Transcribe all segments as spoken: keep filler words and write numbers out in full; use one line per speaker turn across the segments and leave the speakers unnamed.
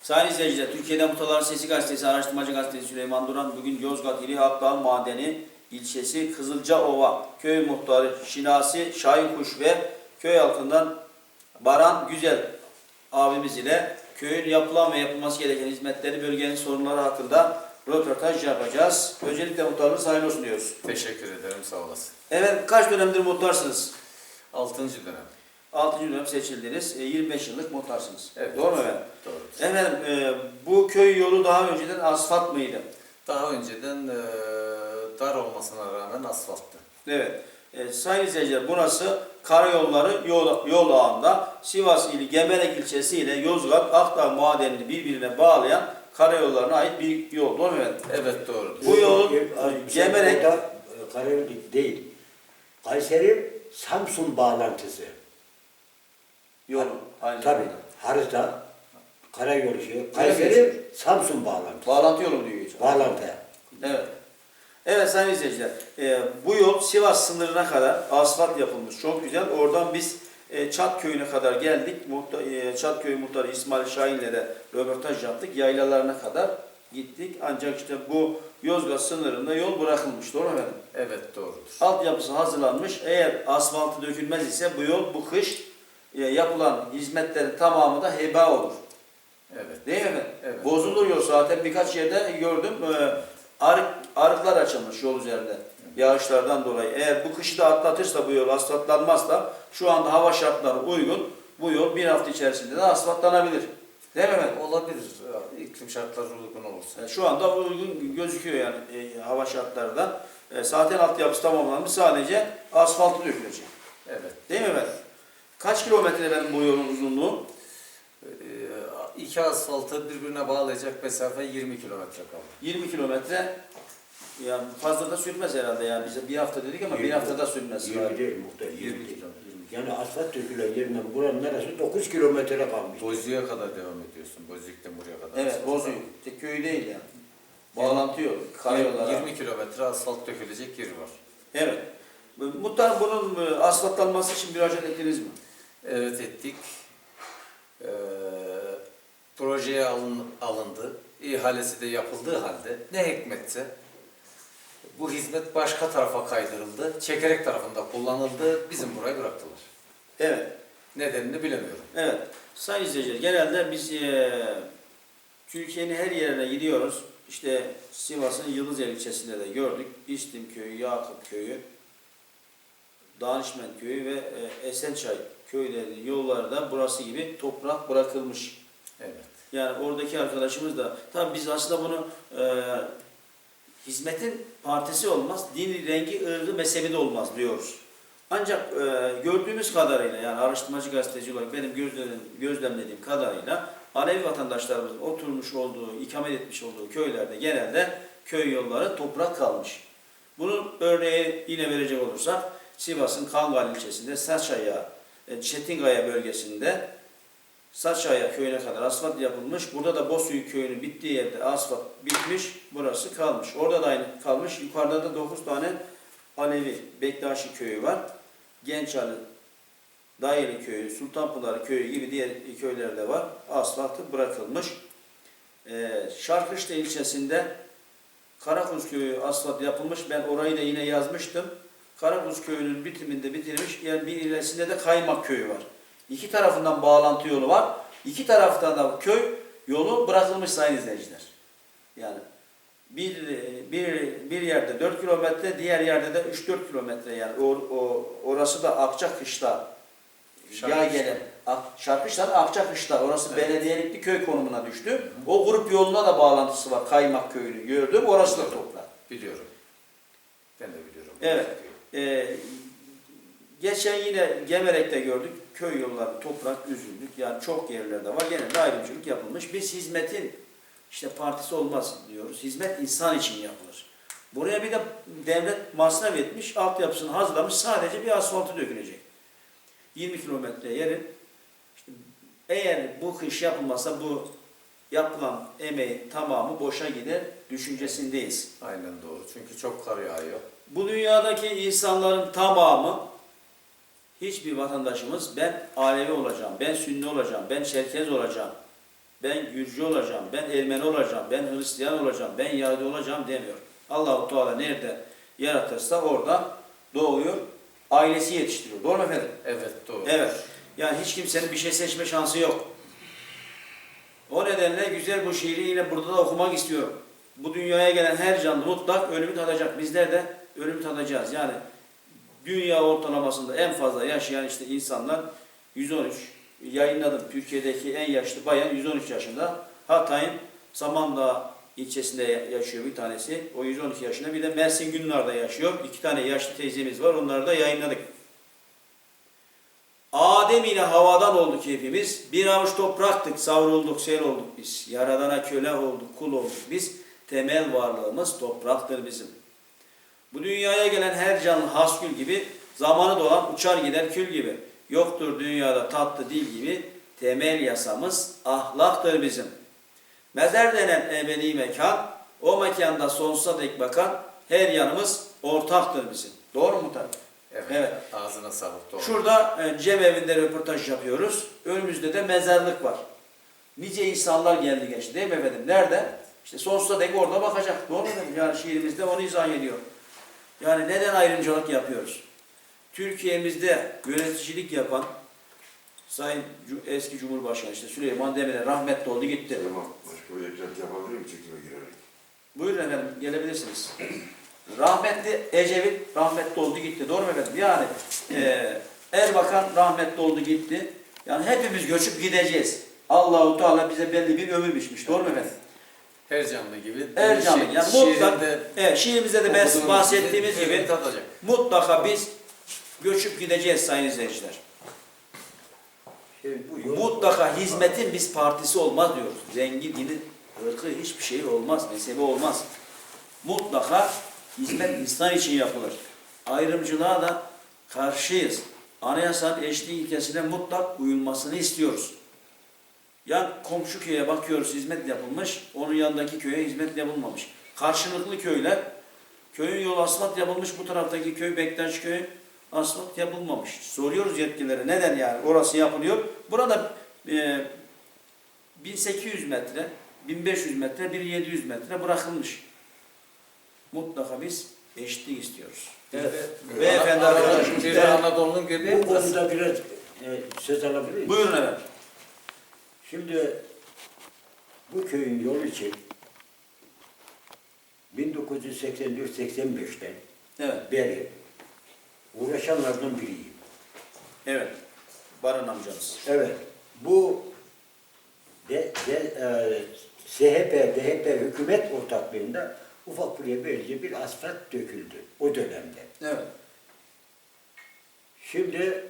Sayın izleyiciler, Türkiye'de Muhtarların Sesi Gazetesi, Araştırmacı Gazetesi Süleyman Duran, bugün Yozgat ili Akdağ Madeni ilçesi Kızılcaova köy muhtarı Şinasi Şahinkuş ve köy halkından Baran Güzel abimiz ile köyün yapılan ve yapılması gereken hizmetleri, bölgenin sorunları hakkında röportaj yapacağız. Öncelikle muhtarınız hayırlı olsun diyoruz.
Teşekkür ederim, sağ olasın.
Evet, kaç dönemdir muhtarsınız?
Altıncı dönem.
altıncı dönem seçildiniz. yirmi beş yıllık muhtarsınız.
Evet.
Doğru mu efendim?
Doğru.
Efendim, e, bu köy yolu daha önceden asfalt mıydı?
Daha önceden e, dar olmasına rağmen asfalttı.
Evet. E, sayın izleyiciler, burası karayolları yol, yol ağında Sivas ili Gemerek ilçesi ile Yozgat Akdağ Madeni'ni birbirine bağlayan karayollarına ait bir yol. Doğru mu efendim?
Evet, doğru.
Bu yol Gemerek...
Karayol değil. Kayseri Samsun bağlantısı.
Yol. Aynı
Tabii.
zamanda.
Harita, karayolu şey.
geçiyor.
Kayseri Samsun bağlantısı.
Bağlantı yolu diyor. Geçiyor.
Bağlantı.
Evet. Evet sayın izleyiciler, e, bu yol Sivas sınırına kadar asfalt yapılmış. Çok güzel. Oradan biz e, Çat köyüne kadar geldik. Muhtar, e, Çat köyü muhtarı İsmail Şahin'le de röportaj yaptık. Yaylalarına kadar gittik. Ancak işte bu Yozgat sınırında yol bırakılmış. Doğru mu efendim?
Evet, doğrudur.
Altyapısı hazırlanmış. Eğer asfaltı dökülmez ise bu yol bu kış e, yapılan hizmetlerin tamamı da heba olur.
Evet.
Değil mi efendim?
Evet.
Bozulur yol. Zaten birkaç yerde gördüm. E, arık, arıklar açılmış yol üzerinde. Yağışlardan dolayı. Eğer bu kışı da atlatırsa bu yol asfaltlanmazsa şu anda hava şartları uygun. Bu yol bir hafta içerisinde de asfaltlanabilir. Değil mi efendim?
Olabilir. İklim şartları uygun olursa.
E, Şu anda uygun gözüküyor yani e, hava şartlarından. E, zaten altyapısı tamamlanmış. Sadece asfaltı dökülecek.
Evet.
Değil mi efendim? Kaç kilometre efendim bu yolun uzunluğu?
Ee, iki asfaltı birbirine bağlayacak mesafe yirmi kilometre kaldı.
yirmi kilometre. Yani fazla da sürmez herhalde yani. Bize bir hafta dedik ama bir haftada sürmez.
yirmi değil muhtar.
yirmi
yirmi değil.
kilometre.
Yani asfalt dökülen yerinden buranın neresi dokuz kilometre kalmış.
Bozüyük'e kadar devam ediyorsun. Bozüyük'ten buraya kadar.
Evet, Bozüyük. Tek köy değil yani. Bağlantı yolu, karayollara.
yirmi kilometre asfalt dökülecek yeri var.
Evet. Muhtarım bunun e, asfaltlanması için müracaat ettiniz mi?
Evet, ettik. Ee, projeye alın, alındı. İhalesi de yapıldığı halde ne hikmetse bu hizmet başka tarafa kaydırıldı. Çekerek tarafında kullanıldı. Bizim buraya bıraktılar.
Evet.
Nedenini bilemiyorum.
Evet. Sayın izleyiciler, genelde biz e, Türkiye'nin her yerine gidiyoruz. İşte Sivas'ın Yıldızeli ilçesinde de gördük. İstim köyü, Yakup köyü, Danişmen köyü ve e, Esençay köylerinin yolları da burası gibi toprak bırakılmış.
Evet.
Yani oradaki arkadaşımız da, tabii biz aslında bunu e, hizmetin partisi olmaz, dini, rengi, ırgı, mezhebi de olmaz diyoruz. Ancak e, gördüğümüz kadarıyla, yani araştırmacı gazeteci olarak benim gözlemlediğim, gözlemlediğim kadarıyla Alevi vatandaşlarımızın oturmuş olduğu, ikamet etmiş olduğu köylerde genelde köy yolları toprak kalmış. Bunun örneği yine verecek olursak Sivas'ın Kangal ilçesinde Saçaya, Çetingaya bölgesinde Saçaya köyüne kadar asfalt yapılmış. Burada da Bozüyük köyünün bittiği yerde asfalt bitmiş. Burası kalmış. Orada da aynı kalmış. Yukarıda da dokuz tane Alevi Bektaşi köyü var. Gençali, Dayeli köyü, Sultanpınar köyü gibi diğer köylerde var. Asfaltı bırakılmış. Ee, Şarkışla ilçesinde Karakuz köyü asfalt yapılmış. Ben orayı da yine yazmıştım. Karakuz köyünün bitiminde bitirmiş. Yani bir ilerisinde de Kaymak köyü var. İki tarafından bağlantı yolu var. İki taraftan da köy yolu bırakılmış sayın izleyiciler. Yani bir, bir, bir yerde dört kilometre, diğer yerde de üç dört kilometre yani. O, o, orası da Akçakışla ya gelen Şarkışla Akçakışla, orası evet. Belediyelikli köy konumuna düştü. Hı hı. O grup yoluna da bağlantısı var. Kaymak köyünü gördüm. Orası da toprak.
Biliyorum. Ben de biliyorum.
Evet. Ee, geçen yine Gemerek'te gördük. Köy yolları toprak, üzüldük. Yani çok yerlerde var. Genelde ayrımcılık yapılmış. Biz hizmetin işte partisi olmaz diyoruz. Hizmet insan için yapılır. Buraya bir de devlet masraf etmiş, altyapısını hazırlamış. Sadece bir asfaltı dökülecek. yirmi kilometre yerin. İşte eğer bu kış yapılmazsa bu yapılan emeğin tamamı boşa gider düşüncesindeyiz.
Aynen doğru. Çünkü çok kar yağıyor.
Bu dünyadaki insanların tamamı, hiçbir vatandaşımız ben Alevi olacağım, ben Sünni olacağım, ben Çerkez olacağım ben Gürcü olacağım, ben Ermeni olacağım, ben Hristiyan olacağım, ben Yahudi olacağım demiyor. Allah-u Teala nerede yaratırsa orada doğuyor, ailesi yetiştiriyor. Doğru mu efendim?
Evet, doğru.
Evet. Yani hiç kimsenin bir şey seçme şansı yok. O nedenle güzel bu şiiri yine burada da okumak istiyorum. Bu dünyaya gelen her canlı mutlak ölümü tadacak. Bizler de ölümü tadacağız. Yani dünya ortalamasında en fazla yaşayan işte insanlar yüz on üç. Yayınladım. Türkiye'deki en yaşlı bayan yüz on üç yaşında. Hatay'ın Samandağ ilçesinde yaşıyor bir tanesi. O yüz on iki yaşında. Bir de Mersin Günlar'da yaşıyor. İki tane yaşlı teyzemiz var. Onları da yayınladık. Adem ile havadan olduk hepimiz. Bir avuç topraktık, savrulduk, sel olduk biz. Yaradana köle olduk, kul olduk biz. Temel varlığımız topraktır bizim. Bu dünyaya gelen her canlı hasgül gibi, zamanı dolan uçar gider kül gibi. Yoktur dünyada tatlı dil gibi, temel yasamız ahlaktır bizim. Mezar denen ebedi mekan, o mekanda sonsuza dek bakan her yanımız ortaktır bizim. Doğru mu tabii?
Evet.
Evet.
Ağzına sağlık, doğru.
Şurada e, Cem evinde röportaj yapıyoruz. Önümüzde de mezarlık var. Nice insanlar geldi geçti değil mi efendim? Nerede? İşte sonsuza dek orada bakacak. Doğru mu efendim? Yani şiirimizde onu izah ediyor. Yani neden ayrımcılık yapıyoruz? Türkiye'mizde yöneticilik yapan Sayın eski Cumhurbaşkanı işte Süleyman Demirel rahmetli oldu gitti.
Tamam. Başka bir eklenti yapabilir miyim çekime girerek?
Buyurun efendim gelebilirsiniz. Rahmetli Ecevit rahmetli oldu gitti. Doğru mu efendim? Yani e, Erbakan rahmetli oldu gitti. Yani hepimiz göçüp gideceğiz. Allah-u Teala bize belli bir ömür biçmiş. Doğru mu efendim?
Her canlı gibi.
Her canlı.
şi-
Yani mutlak,
şiirinde
evet, şiirimizde de ben
okuduğumuz
bahsettiğimiz
gibi
gibi
tadacak.
mutlaka biz göçüp gideceğiz sayın izleyiciler.
Şimdi bu yol,
Mutlaka hizmetin biz partisi olmaz diyoruz. Rengi, dini, ırkı hiçbir şey olmaz, mezhebi olmaz. Mutlaka hizmet insan için yapılır. Ayrımcılığa da karşıyız. Anayasanın eşitlik ilkesine mutlak uyulmasını istiyoruz. Yani komşu köye bakıyoruz hizmet yapılmış, onun yanındaki köye hizmet yapılmamış. Karşılıklı köyler, köyün yolu asfalt yapılmış, bu taraftaki köy Bektaş köyü asfalt yapılmamış. Soruyoruz yetkililere neden yani orası yapılıyor. Burada e, bin sekiz yüz metre, bin beş yüz metre, bin yedi yüz metre bırakılmış. Mutlaka biz eşitlik istiyoruz. Evet.
Bir
Beyefendi
Anadolu-
arkadaşımız.
bir de Anadolu'nun gibi.
bu konuda biraz e, söz alabilir miyim?
Buyurun efendim.
Şimdi bu köyün yolu için bin dokuz yüz seksen dört seksen beşten
Evet.
beri uğraşanlardan biriyim.
Evet. Baran amcamız.
Evet, bu de, de, e, S H P, D H P hükümet ortaklığında ufak buraya böylece bir asfalt döküldü o dönemde.
Evet.
Şimdi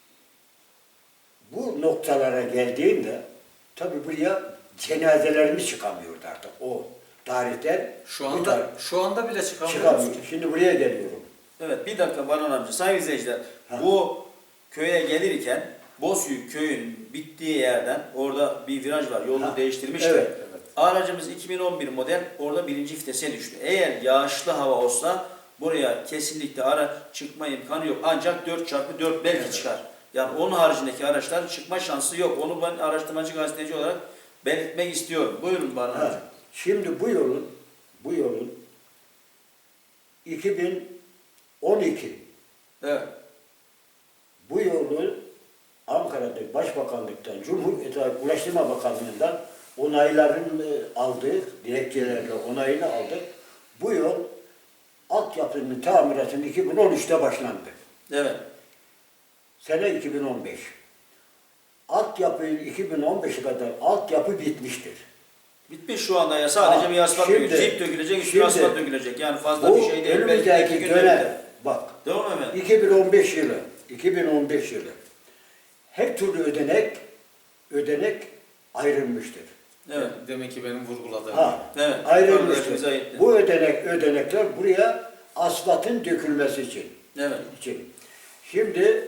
bu noktalara geldiğinde tabii buraya cenazelerimiz çıkamıyordu artık o tarihten.
Şu
bu
anda
tarih-
şu anda bile çıkamıyoruz
çıkamıyor.
ki.
Şimdi buraya geliyorum.
Evet bir dakika Baran amca. Sayın izleyiciler
Ha.
bu köye gelirken Bozüyük köyün bittiği yerden orada bir viraj var. Yolunu
Ha.
değiştirmişler.
Evet,
evet.
Aracımız iki bin on bir model orada birinci vitese düştü. Eğer yağışlı hava olsa buraya kesinlikle ara çıkma imkanı yok. Ancak dört çarpı dört belki
Evet.
çıkar. Yani onun haricindeki araçlar çıkma şansı yok. Onu ben araştırmacı gazeteci olarak belirtmek istiyorum. Buyurun Baran amca.
Ha. Şimdi bu yolun bu yolun iki bin on iki
Evet.
bu yolu Ankara'da Başbakanlıktan, Cumhuriyet Ulaştırma Bakanlığı'ndan onaylarını aldık, dilekçelerle onayını aldık. Bu yol altyapının tamiratının iki bin on üçte başlandı.
Evet.
Sene iki bin on beş. Altyapı iki bin on beşe kadar altyapı bitmiştir.
Bitmiş şu anda ya. Sadece
Ha,
bir asfalt
şimdi-
dökülecek, cip dökülecek, üstüne
şimdi
asfalt dökülecek. Yani fazla
Bu
bir şey değil. Belki iki
önümüzdeki
gün
dönem,
dökülecek.
bak
Değil mi efendim?
iki bin on beş yılı, iki bin on beş yılı her türlü ödenek, ödenek ayrılmıştır.
Evet.
Demek ki benim vurguladığım.
Ha,
Evet.
ayrılmıştır.
Kardeşimize aitti.
Bu ödenek, ödenekler buraya asfaltın dökülmesi için.
Evet.
için. Şimdi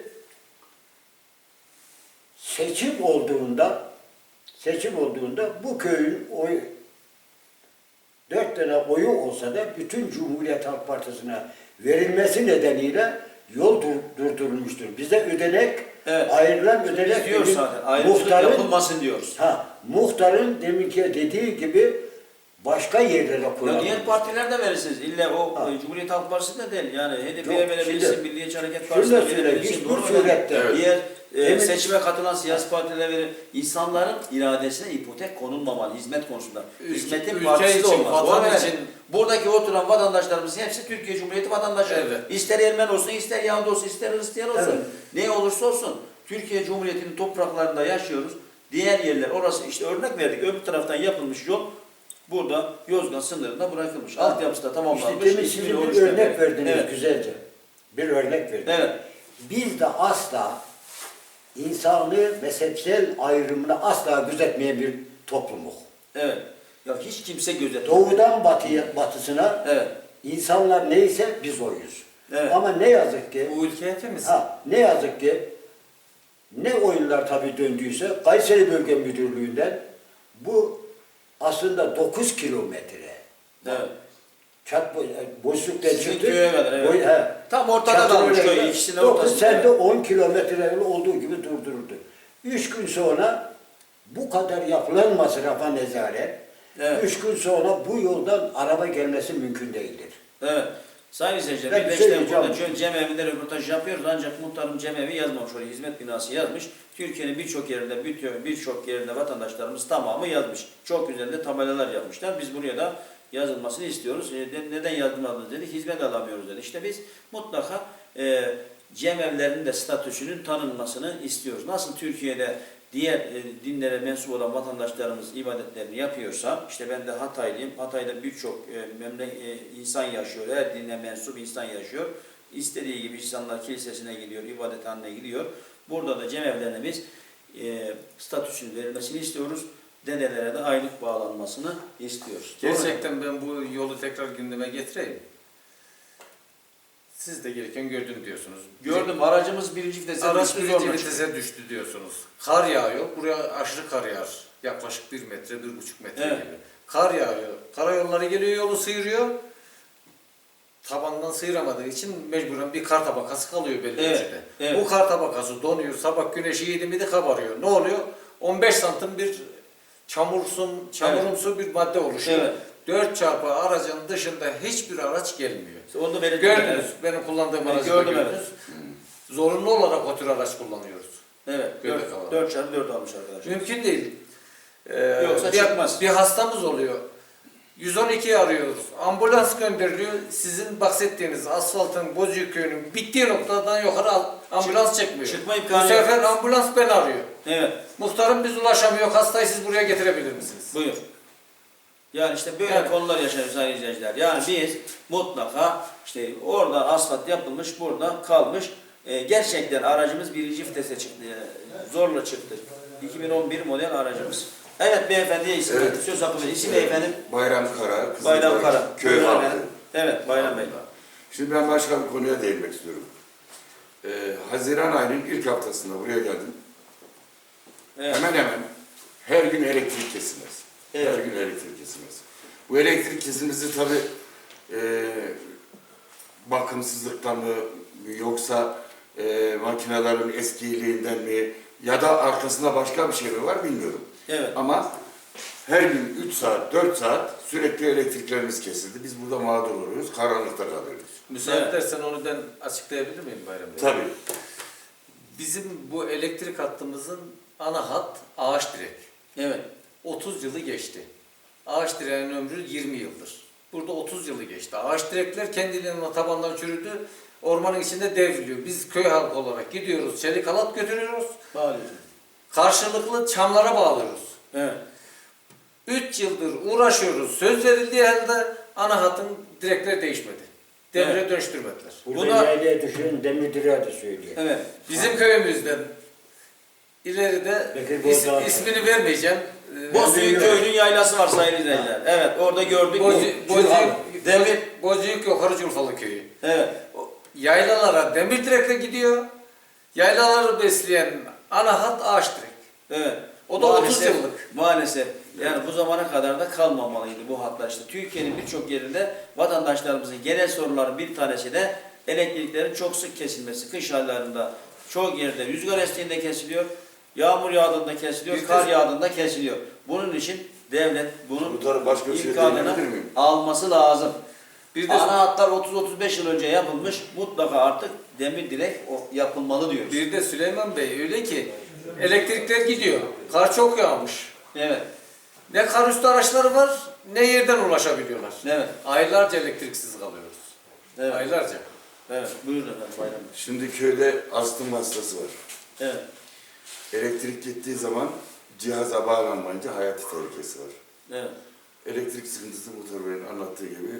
seçim olduğunda seçim olduğunda bu köyün oy dört tane oyu olsa da bütün Cumhuriyet Halk Partisi'ne verilmesi nedeniyle yol dur, durdurulmuştur. Bize ödenek,
Evet.
ayrılan
Biz
ödenek
diyoruz
bizim
zaten. Ayrımcılık
muhtarın-
yapılmasın diyoruz.
Ha, muhtarın deminki dediği gibi başka yerlere
Ya
kullanılır.
diğer partiler de verirsiniz. İlla o
Ha.
e, Cumhuriyet Halk Partisi de değil. Yani H D P'ye
Yok,
verebilirsin,
şimdi-
Milliyetçi Hareket
şunu
Partisi'ne
da söyleyeyim,
verebilirsin.
hiçbir
Doğru mu?
surette-
Yani Diğer e,
Demin-
seçime katılan siyasi partilere verir. İnsanların iradesine ipotek konulmamalı hizmet konusunda.
Ülke-
Hizmetin
ülke
partisi de
için,
olmaz.
vatan
Doğru mu?
için-
Buradaki oturan vatandaşlarımız hepsi Türkiye Cumhuriyeti vatandaşı.
Evet.
İster Ermeni olsun, ister Yahudi olsun, ister Hristiyan olsun.
Evet.
Ne olursa olsun Türkiye Cumhuriyeti'nin topraklarında yaşıyoruz. Diğer yerler orası işte örnek verdik. Öbür taraftan yapılmış yol burada Yozgat sınırında bırakılmış. Altyapısı da
İşte
tamamlanmış.
demin
İsmini
sizin bir
oruç
örnek
vermek.
verdiniz
Evet.
güzelce. Bir örnek verdiniz.
Evet.
Biz de asla insanlığı mezhepsel ayrımını asla gözetmeyen bir toplumuz.
Evet. Ya hiç kimse gözetmiyor.
Doğudan batıya, batısına
Evet.
insanlar neyse biz oyuz.
Evet.
Ama ne yazık ki
Bu ülke hepimiz.
ha, ne yazık ki ne oyunlar tabii döndüyse Kayseri Bölge Müdürlüğü'nden bu aslında dokuz kilometre.
Evet.
Çat boşluktan
Sizin
çıktı.
köye kadar, evet.
Boy- he.
Tam ortada
Çatı
kalmış
öyle,
köy. İkisinin
dokuz
ortasında.
sende on kilometre olduğu gibi durduruldu. Üç gün sonra bu kadar yapılan masrafa nezaret,
Evet.
üç gün sonra bu yoldan araba gelmesi mümkün değildir.
Evet. Sayın izleyiciler,
Ben
bir beş
söyleyeceğim.
dakika burada Cem Evi'nde röportaj yapıyoruz ancak muhtarım Cem Evi yazmamış, oraya hizmet binası yazmış. Türkiye'nin birçok yerinde, bütün- birçok yerinde vatandaşlarımız tamamı yazmış. Çok güzel de tabelalar yapmışlar. Biz buraya da yazılmasını istiyoruz. E, de- neden yazılmadınız dedik, hizmet alamıyoruz dedi. İşte biz mutlaka e, Cem Evlerinin de statüsünün tanınmasını istiyoruz. Nasıl Türkiye'de diğer e, dinlere mensup olan vatandaşlarımız ibadetlerini yapıyorsa, işte ben de Hataylıyım, Hatay'da birçok e, memle e, insan yaşıyor, her dine mensup insan yaşıyor. İstediği gibi insanlar kilisesine gidiyor, ibadethaneye gidiyor. Burada da cemevlerine biz e, statüsünün verilmesini istiyoruz. Dedelere de aylık bağlanmasını istiyoruz. Doğru mu?
Gerçekten ben bu yolu tekrar gündeme getireyim. Siz de gereken gördüm diyorsunuz.
Gördüm, aracımız birinci vitese
Araç
düştü,
birinci
zorla çıktı.
vitese düştü diyorsunuz. Kar yağıyor. Buraya aşırı kar yağar. Yaklaşık bir metre, bir buçuk metre
Evet.
gibi. Kar yağıyor. Karayolları geliyor, yolu sıyırıyor. Tabandan sıyıramadığı için mecburen bir kar tabakası kalıyor belli
Evet,
ölçüde.
evet.
Bu kar tabakası donuyor. Sabah güneşi yedi miydi kabarıyor. Ne oluyor? on beş santim bir çamursun, çamurumsu bir madde oluşuyor.
Evet.
dört çarpı aracın dışında hiçbir araç gelmiyor.
Onu da belirttim.
Gördünüz. Benim kullandığım
Evet,
aracı da
gördüm,
gördünüz. Zorunlu olarak o tür araç kullanıyoruz.
Evet,
Göbek alalım.
dört çarpı dört almış arkadaşlar.
Mümkün değil. Ee,
Yoksa
bir,
çıkmaz.
bir hastamız oluyor. yüz on ikiyi arıyoruz. Ambulans gönderiliyor. Sizin bahsettiğiniz asfaltın Bozüyük köyünün bittiği noktadan yukarı al- ambulans çekmiyor.
Çıkma
Bu
imkanı
sefer
yok.
ambulans beni arıyor.
Evet,
Muhtarım biz ulaşamıyor. Hastayı siz buraya getirebilir misiniz?
buyur. Yani işte böyle
Evet.
konular yaşanıyor sayın izleyiciler. Yani biz mutlaka işte orada asfalt yapılmış, burada kalmış. Ee, gerçekten aracımız birinci vitese çıktı. Ee, zorla çıktı. iki bin on bir model aracımız. Evet beyefendiye isim
Evet.
söz hakkı verin. İsim beyefendim?
Bayram Kara, Kızılbaş,
Bayram Kara.
Köy
Buyurun
halkı.
efendim. Evet Bayram Bey.
Şimdi ben başka bir konuya değinmek istiyorum. Ee, Haziran ayının ilk haftasında buraya geldim.
Evet.
Hemen hemen her gün elektrik kesilmez.
Evet.
Her gün elektrik kesilmez. Bu elektrik kesilmesi tabii e, bakımsızlıktan mı yoksa e, makinelerin eskiliğinden mi ya da arkasında başka bir şey mi var bilmiyorum.
Evet.
Ama her gün üç saat, dört saat sürekli elektriklerimiz kesildi. Biz burada mağdur oluyoruz, karanlıkta kalıyoruz.
Müsaade
Evet.
edersen onu ben açıklayabilir miyim Bayram Bey?
Tabii.
Bizim bu elektrik hattımızın ana hat ağaç direk.
Evet.
otuz yılı geçti. Ağaç direğinin ömrü yirmi yıldır. Burada otuz yılı geçti. Ağaç direkler kendiliğinden tabandan çürüdü. Ormanın içinde devriliyor. Biz köy halkı olarak gidiyoruz, çelik halat götürüyoruz.
Bağlıyorsun.
Karşılıklı çamlara bağlıyoruz.
Evet.
üç yıldır uğraşıyoruz. Söz verildiği halde ana hatın direkleri değişmedi. Demire
Evet.
dönüştürmediler.
Burada
Buna-
yaylaya düşen Demirdire'ye de söylüyor.
Evet.
Bizim köyümüzden ileride
Bekir
is,
Bozdağ.
ismini vermeyeceğim. Ee,
Bozüyük köyünün yaylası var sayın izleyiciler. Evet orada gördük.
Bozü-
Bu-
Bozüyük,
Demir.
Bozüyük Yukarı Culfalı köyü.
Evet.
O Yaylalara demir direkle gidiyor. Yaylaları besleyen ana hat ağaç direk.
Evet.
O da otuz yıllık.
Maalesef. Yani bu zamana kadar da kalmamalıydı bu hatlar işte. Türkiye'nin birçok yerinde vatandaşlarımızın genel sorunların bir tanesi de elektriklerin çok sık kesilmesi. Kış aylarında çoğu yerde rüzgar estiğinde kesiliyor. Yağmur yağdığında kesiliyor,
Yüzde-
kar yağdığında kesiliyor. Bunun için devlet bunun
Muhtarım, başka bir şey
imkanını
diyebilir miyim?
alması lazım.
Bir de
Ana hatlar otuz otuz beş yıl önce yapılmış. Mutlaka artık demir direk o yapılmalı diyoruz.
bir de Süleyman Bey öyle ki elektrikler gidiyor. Kar çok yağmış.
Evet.
Ne kar üstü araçları var ne yerden ulaşabiliyorlar.
Evet.
Aylarca elektriksiz kalıyoruz.
Evet.
Aylarca.
Evet. Buyurun efendim Bayram Bey.
Şimdi köyde astım hastası var.
Evet.
Elektrik gittiği zaman cihaza bağlanmayınca hayati tehlikesi var.
Evet.
Elektrik sıkıntısı Muhtar Bey'in anlattığı gibi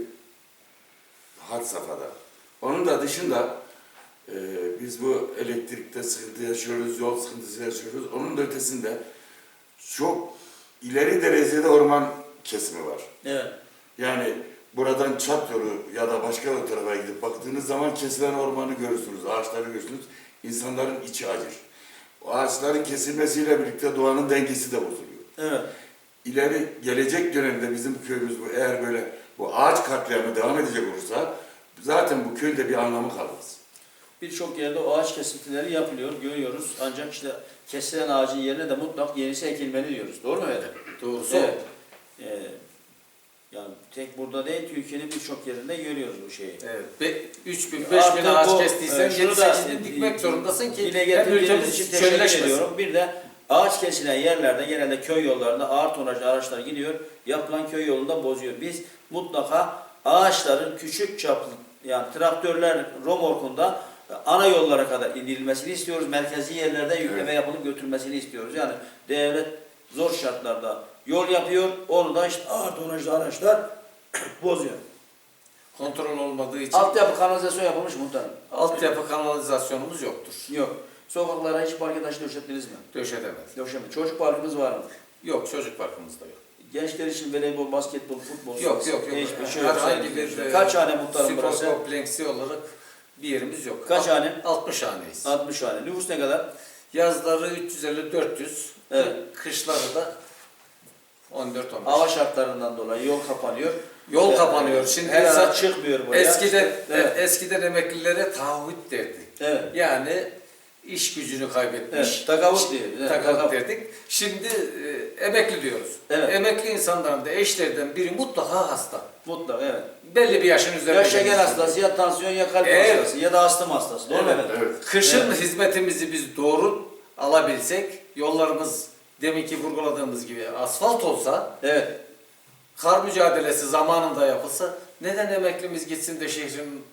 had safhada. Onun da dışında e, biz bu elektrikte sıkıntı yaşıyoruz, yol sıkıntısı yaşıyoruz. Onun da ötesinde çok ileri derecede orman kesimi var.
Evet.
Yani buradan Çat yolu ya da başka bir tarafa gidip baktığınız zaman kesilen ormanı görürsünüz, ağaçları görürsünüz. İnsanların içi acır. O ağaçların kesilmesiyle birlikte doğanın dengesi de bozuluyor.
Evet.
İleri gelecek dönemde bizim köyümüz bu eğer böyle bu ağaç katliamı devam edecek olursa zaten bu köyün de bir anlamı kalmaz.
Birçok yerde o ağaç kesintileri yapılıyor, görüyoruz. Ancak işte kesilen ağacın yerine de mutlak yenisi ekilmeli diyoruz. Doğru mu efendim?
Doğrusu.
Evet. Ee, yani tek burada değil, Türkiye'nin birçok yerinde görüyoruz bu şeyi.
Evet. üç bin beş bin
Artık
ağaç
bu,
kestiysen
e,
yedi
şunu da,
sekiz bin dikmek zorundasın ki
dile
hem
getirdiğiniz
ülkemiz
için teşekkür
çölleşmesin.
ediyorum. Bir de ağaç kesilen yerlerde genelde köy yollarında ağır tonajlı araçlar gidiyor. Yapılan köy yolunda bozuyor. Biz mutlaka ağaçların küçük çaplı yani traktörler romorkunda ana yollara kadar indirilmesini istiyoruz. Merkezi yerlerde yükleme
Evet.
yapılıp götürülmesini istiyoruz. Yani devlet zor şartlarda yol yapıyor. Onu da işte ağır tonajlı araçlar bozuyor.
Kontrol olmadığı için
Altyapı kanalizasyon yapılmış muhtarım.
altyapı kanalizasyonumuz yoktur.
Yok. Sokaklara hiç parke taşı döşettiniz mi?
Döşedemez.
Döşeme. Çocuk parkımız var mı?
Yok, çocuk parkımızda yok.
Gençler için voleybol, basketbol, futbol.
Yok yok yok.
Hiçbir şey yok.
Herhangi bir e,
Kaç hane muhtarım
spor
burası?
kompleksi olarak bir yerimiz yok.
Kaç hane?
altmış haneyiz.
altmış hane. Nüfus ne kadar?
Yazları üç yüz elli dört yüz.
Evet.
Kışları da on dört on beş.
Hava şartlarından dolayı yol kapanıyor.
Yol
Ee,
kapanıyor. Şimdi
her
insan-
an çıkmıyor buraya.
Eskiden
Evet.
eskiden emeklilere taahhüt derdik.
Evet.
Yani iş gücünü kaybetmiş.
Evet, takavut diyor. Evet,
Takavut
takavut.
derdik. Şimdi e, emekli diyoruz.
Evet.
Emekli insanların da eşlerden biri mutlaka hasta.
Mutlak evet.
Belli bir yaşın üzerinde.
Ya şeker
gelmiş.
hastası, ya tansiyon, ya kalp
Evet.
hastası, ya da astım hastası. Doğru mu
Evet.
efendim?
Evet.
Kışın
Evet.
hizmetimizi biz doğru alabilsek, yollarımız deminki vurguladığımız gibi asfalt olsa,
Evet.
kar mücadelesi zamanında yapılsa, neden emeklimiz gitsin de şehrin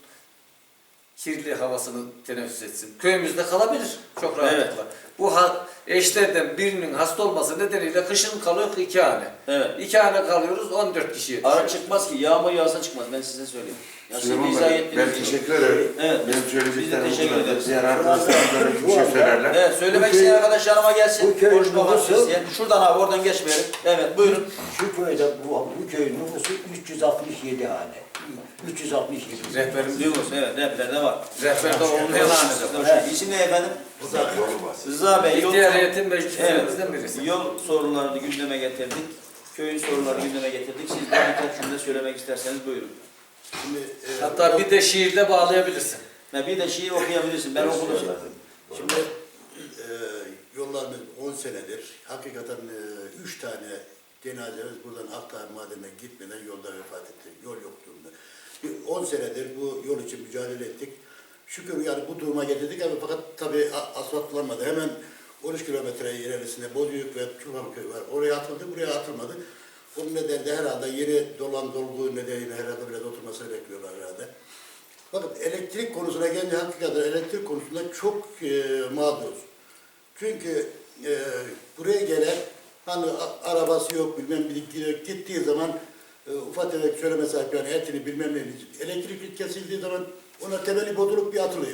kirli havasını teneffüs etsin? Köyümüzde kalabilir çok rahatlıkla.
Evet.
Bu ha, eşlerden birinin hasta olması nedeniyle kışın kalıyor iki hane.
Evet.
İki hane kalıyoruz on dört kişiye
Ara
düşüyor.
çıkmaz ki. Yağmur yağsa çıkmaz. Ben size söyleyeyim. Ya siz
Süleyman
izah
Bey,
ettiniz.
ben teşekkür ederim.
Evet.
Benim
Biz de
söyleyeceklerim
teşekkür
bu kadar.
ederiz.
Diğer arkadaşlarım bir şey söylerler.
Evet, söylemek
Bu köy-
isteyen arkadaşlarıma gelsin.
bu köy
Konuşmamak
nüfusu-
isteyen. Şuradan abi, oradan geçmeyelim. Evet, buyurun.
Şu köyde bu, bu köyün nüfusu üç yüz altmış yedi hane. üç yüz altmış yedi.
Rehberimiz
Nüfus, evet, rehberde var.
Rehberde olmayan hane de var.
Evet. İsim ne efendim?
Yolu var.
Rıza Bey, yol,
İhtiyar heyetin meclislerimizden birisi.
evet, yol sorunlarını gündeme getirdik. Köyün sorunlarını gündeme getirdik. Siz de birkaç cümle söylemek isterseniz buyurun.
Şimdi, e,
Hatta bir de şiirde bağlayabilirsin.
Ha, bir de şiir okuyabilirsin. Ben okudum.
şimdi e, yollarımız on senedir. Hakikaten e, üç tane cenazemiz buradan Akdağ Madenine gitmeden yolda vefat etti. Yol yok durumda. on senedir bu yol için mücadele ettik. Şükür yani bu duruma getirdik ama fakat tabii a- asfaltlanmadı. Hemen on üç kilometre ilerisinde Bozüyük ve Çukurköy var. Oraya atıldı, buraya atılmadı. Onun nedeniyle de herhalde yeni dolan dolgu nedeniyle herhalde biraz oturmasını bekliyorlar herhalde. Bakın elektrik konusuna gelince hakikaten elektrik konusunda çok e, mağduruz. Çünkü e, buraya gelen hani a- arabası yok bilmem bir gittiği zaman e, ufak tefek söyleme sahip yani etini bilmem ne elektrik kesildiği zaman ona temeli bozulup bir atılıyor.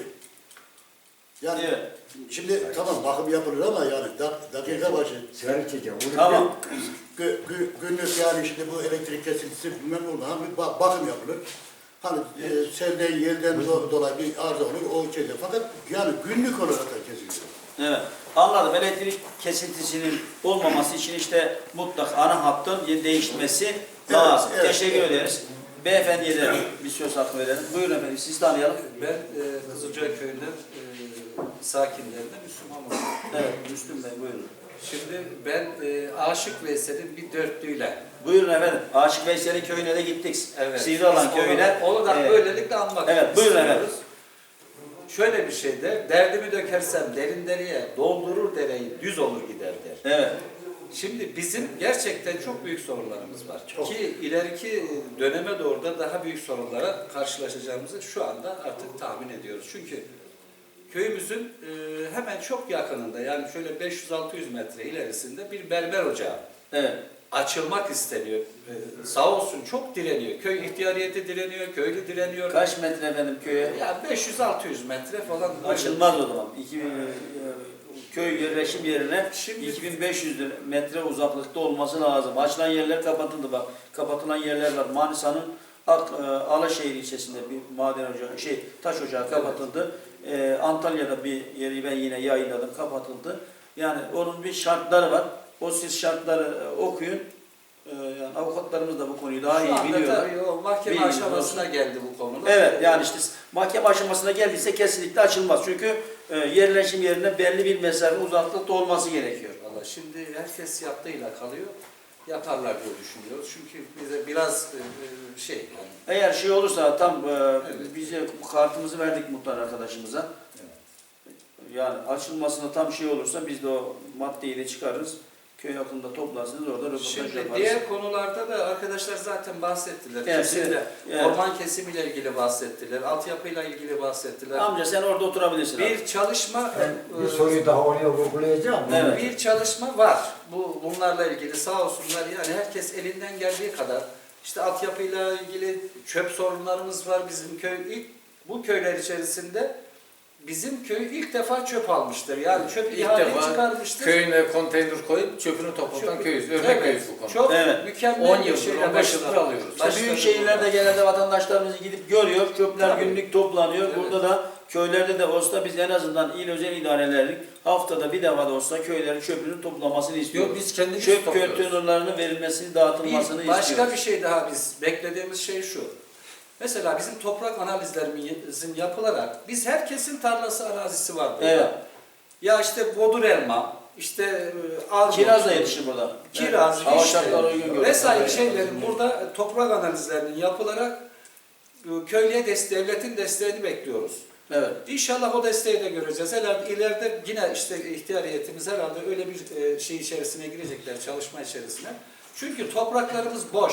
Yani
Evet.
şimdi tamam bakım yapılır ama yani dak, dakika başı
Sigara içeceğim. Onu
Tamam.
gü, gü, günlük yani şimdi bu elektrik kesintisi bilmem ne olur. Hani bir ba- bakım yapılır. Hani e, selden, yelden do- dolayı bir arıza olur, o şeyde. Fakat yani günlük olarak da kesiliyor.
Evet. Anladım. Elektrik kesintisinin olmaması için işte mutlak ana hattın değişmesi lazım.
evet,
Teşekkür
evet.
ederiz. Beyefendiye de bir söz hakkı verelim. Buyurun efendim. Sizi tanıyalım.
Ben e, Kızılcay köyünden e, sakinlerinden Müslüman oldum.
Evet. Müslüm Bey buyurun.
Şimdi ben e, Aşık Veysel'in bir dörtlüğüyle.
Buyurun efendim. Aşık Veysel'in köyüne de gittik.
Evet.
Sivrialan
Biz
köyüne.
Onu, onu da
Ee,
böylelikle anmak
evet, buyurun
istiyoruz.
efendim.
Şöyle bir şeyde, derdimi dökersem derin deriye, doldurur dereyi, düz olur gider der.
Evet.
Şimdi bizim gerçekten çok büyük sorunlarımız var.
Çok.
Ki ileriki döneme doğru da daha büyük sorunlara karşılaşacağımızı şu anda artık tahmin ediyoruz. Çünkü köyümüzün e, hemen çok yakınında, yani şöyle beş yüz altı yüz metre ilerisinde bir berber ocağı
Evet.
açılmak isteniyor. Ee, sağ olsun çok direniyor. Köy ihtiyariyeti direniyor, köylü direniyor.
Kaç metre efendim köye?
Ya beş yüz altı yüz metre falan.
Açılmaz o zaman. iki bin, e, köy yerleşim yerine
Şimdi-
iki bin beş yüz metre uzaklıkta olması lazım. Açılan yerler kapatıldı bak. Kapatılan yerler var. Manisa'nın Ak, e, Alaşehir ilçesinde bir maden ocağı, şey taş ocağı kapatıldı. E, Antalya'da bir yeri ben yine yayınladım, kapatıldı. Yani onun bir şartları var. O siz şartları e, okuyun. E, yani avukatlarımız da bu konuyu daha
Şu
iyi
anda
biliyorlar.
tabii o mahkeme
Bilginiz
aşamasına
olsun.
geldi bu konuda.
Evet, yani işte mahkeme aşamasına geldiyse kesinlikle açılmaz. Çünkü e, yerleşim yerine belli bir mesafe uzaklıkta olması gerekiyor.
Vallahi şimdi herkes yaptığıyla kalıyor. Yaparlar diye düşünüyoruz. Çünkü bize biraz e, e, şey yani,
Eğer şey olursa tam e,
Evet.
bize kartımızı verdik muhtar arkadaşımıza. Yani açılmasına tam şey olursa biz de o maddeyi de çıkarırız. Köy hakkında toplarsınız, orada röportaj
Şimdi
yaparız.
diğer konularda da arkadaşlar zaten bahsettiler.
Evet,
Kesinlikle
evet.
orman kesimiyle ilgili bahsettiler, altyapıyla ilgili bahsettiler.
Amca sen orada oturabilirsin. abi.
Bir çalışma
Ben bir
e,
soruyu daha oraya vurgulayacağım.
Evet.
bir çalışma var. Bu bunlarla ilgili sağ olsunlar, yani herkes elinden geldiği kadar işte altyapıyla ilgili çöp sorunlarımız var bizim köy. İlk bu köyler içerisinde bizim köy ilk defa çöp almıştır. Yani çöp İlk
ihale
defa
çıkarmıştır.
köyüne konteyner koyup çöpünü toplatan
Çöp-
köyüz. Örnek
Evet.
köyüz bu konuda.
Çok evet.
Mükemmel on bir yıldır, şeyle on beş yıldır başladı. alıyoruz.
İşte büyük
Başladı
şehirlerde
burada.
genelde vatandaşlarımız gidip görüyor. Çöpler
Tabii.
günlük toplanıyor.
Evet.
Burada da köylerde de olsa biz en azından il özel idarelerin haftada bir defa da olsa köylerin çöpünün toplamasını istiyoruz.
Yok, biz kendimiz
Çöp
topluyoruz.
konteynerlarının verilmesini, dağıtılmasını
Bir başka
istiyoruz.
bir şey daha biz beklediğimiz şey şu. Mesela bizim toprak analizlerimizin yapılarak biz herkesin tarlası arazisi var burada.
Evet.
Ya işte bodur elma, işte e, armut,
Kiraz da yetişir burada.
kiraz,
Evet. Hava
işte,
şartları uygun görüyor.
vesaire
Evet.
şeylerin burada toprak analizlerinin yapılarak e, köylüye des devletin desteğini bekliyoruz.
Evet.
İnşallah o desteği de göreceğiz. Herhalde ileride yine işte ihtiyariyetimiz herhalde öyle bir e, şey içerisine girecekler, çalışma içerisine. Çünkü topraklarımız boş.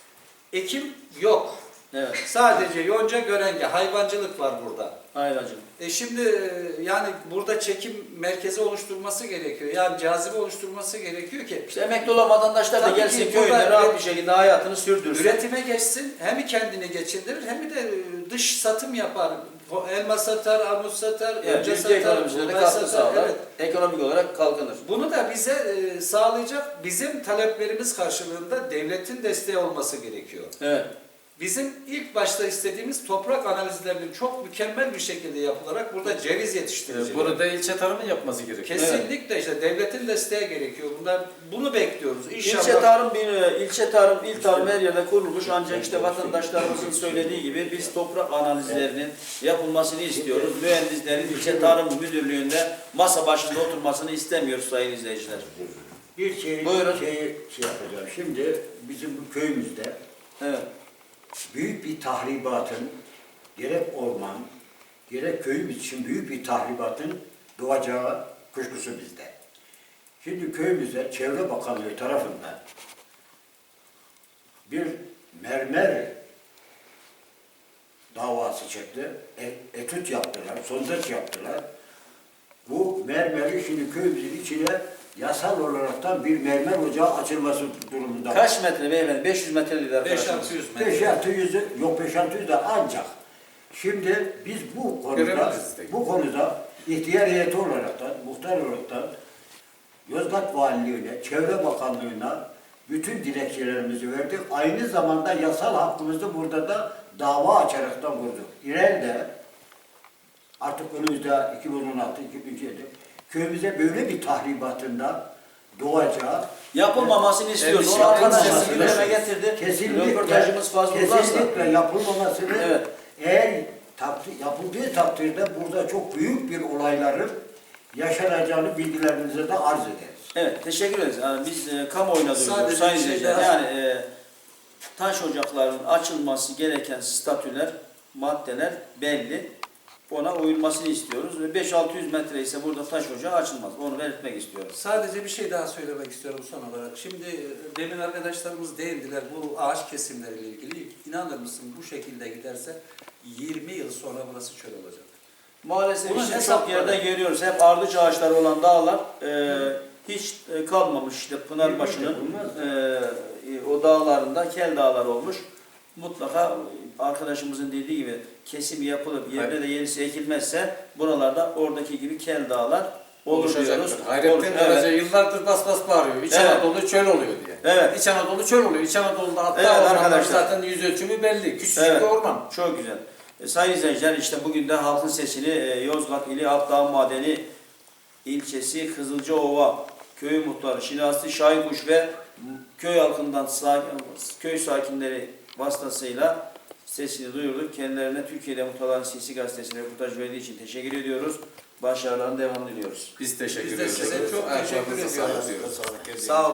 Ekim yok.
Evet.
Sadece yonca görenge, hayvancılık var burada.
Ayrıcım.
E şimdi e, yani burada çekim merkezi oluşturması gerekiyor. Yani cazibe oluşturması gerekiyor ki
İşte emekli olan vatandaşlar da
Tabii
gelsin
ki
köyde
burada-
rahat bir şekilde hayatını sürdürsün.
üretime geçsin, hem kendini geçindirir hem de dış satım yapar. Elma satar, armut satar,
Evet,
önce
ülke
satar,
ekonomisine de
buğday
katkı
satar.
sağlar.
Evet.
Ekonomik olarak kalkınır.
Bunu da bize e, sağlayacak bizim taleplerimiz karşılığında devletin desteği olması gerekiyor.
Evet.
Bizim ilk başta istediğimiz toprak analizlerinin çok mükemmel bir şekilde yapılarak burada ceviz yetiştiricileri.
Burada ilçe tarımın yapması gerekiyor.
Kesinlikle işte devletin desteği gerekiyor. Bunlar bunu bekliyoruz. İnşallah.
İlçe tarım bir ilçe tarım, il tarım her yerde kurulmuş ancak işte vatandaşlarımızın söylediği gibi biz toprak analizlerinin yapılmasını istiyoruz. Mühendislerin ilçe tarım müdürlüğünde masa başında oturmasını istemiyoruz sayın izleyiciler.
Bir şey,
Buyurun.
şey, şey yapacağım. Şimdi bizim bu köyümüzde
Evet.
büyük bir tahribatın, gerek orman, gerek köyümüz için büyük bir tahribatın doğacağı kuşkusu bizde. Şimdi köyümüzde Çevre Bakanlığı tarafından bir mermer davası çıktı. E, etüt yaptılar, sondaj yaptılar. Bu mermeri şimdi köyümüzün içine yasal olaraktan bir mermer ocağı açılması durumunda.
Kaç metre beyefendi? beş yüz metre dedi
beş
arkadaşlar.
altı yüz metre.
beş altı yüzü, yok beş altı yüz de ancak. Şimdi biz bu konuda,
Görebiliriz de.
bu konuda ihtiyar heyeti olaraktan, muhtar olaraktan Yozgat Valiliğine, Çevre Bakanlığı'na bütün dilekçelerimizi verdik. Aynı zamanda yasal hakkımızı burada da dava açaraktan vurduk. İleride artık önümüzde iki bin on altı iki bin yedi köyümüze böyle bir tahribatında doğacağı
Yapılmamasını istiyoruz.
Evet,
Onu arkadaşlar
yapılmaması
gündeme
lazım.
getirdi.
kesinlikle,
Röportajımız fazla uzarsa.
kesinlikle yapılmamasını
Evet.
eğer takdir, yapıldığı takdirde burada çok büyük bir olayların yaşanacağını bilgilerinize de arz ederiz.
Evet, teşekkür ederiz. Yani biz e, kamuoyuna
Sadece
duyuruyoruz sayın
bir şey
izleyiciler.
daha-
Yani e, taş ocaklarının açılması gereken statüler, maddeler belli. Ona uyulmasını istiyoruz ve beş altı yüz metre ise burada taş ocağı açılmaz. Onu belirtmek istiyoruz.
Sadece bir şey daha söylemek istiyorum son olarak. Şimdi e, demin arkadaşlarımız değindiler bu ağaç kesimleriyle ilgili. İnanır mısın bu şekilde giderse yirmi yıl sonra burası çöl olacak.
Maalesef
Bunun
işte çok
hesapları-
yerde görüyoruz. Hep ardıç ağaçları olan dağlar e, hiç e, kalmamış. İşte Pınarbaşı'nın e, o dağlarında kel dağlar olmuş. Mutlaka arkadaşımızın dediği gibi kesim yapılıp yerine de yenisi ekilmezse buralarda oradaki gibi kel dağlar olur diyoruz.
Oluşacaktır. Hayrettin
Olur,
Karaca
evet.
yıllardır bas bas bağırıyor. İç
Evet.
Anadolu çöl oluyor diye.
Evet.
İç Anadolu çöl oluyor. İç Anadolu'da hatta
Evet,
ormanlar
arkadaşlar.
zaten yüz ölçümü belli. Küçücük
Evet.
bir orman.
Çok güzel. E, sayın izleyiciler işte bugün de halkın sesini e, Yozgat ili Akdağ Madeni ilçesi Kızılcaova köyü muhtarı Şinasi Şahinkuş ve köy halkından sakin, köy sakinleri vasıtasıyla sesini duyurduk. Kendilerine Türkiye'de Muhtarların Sesi gazetesine röportaj verdiği için teşekkür ediyoruz. Başarılarının devamını diliyoruz.
Biz teşekkür
Biz de
ediyoruz.
size çok teşekkür
Ayaklarınıza
ediyoruz.
sağlık diyoruz.
Sağlık.
Sağ olun.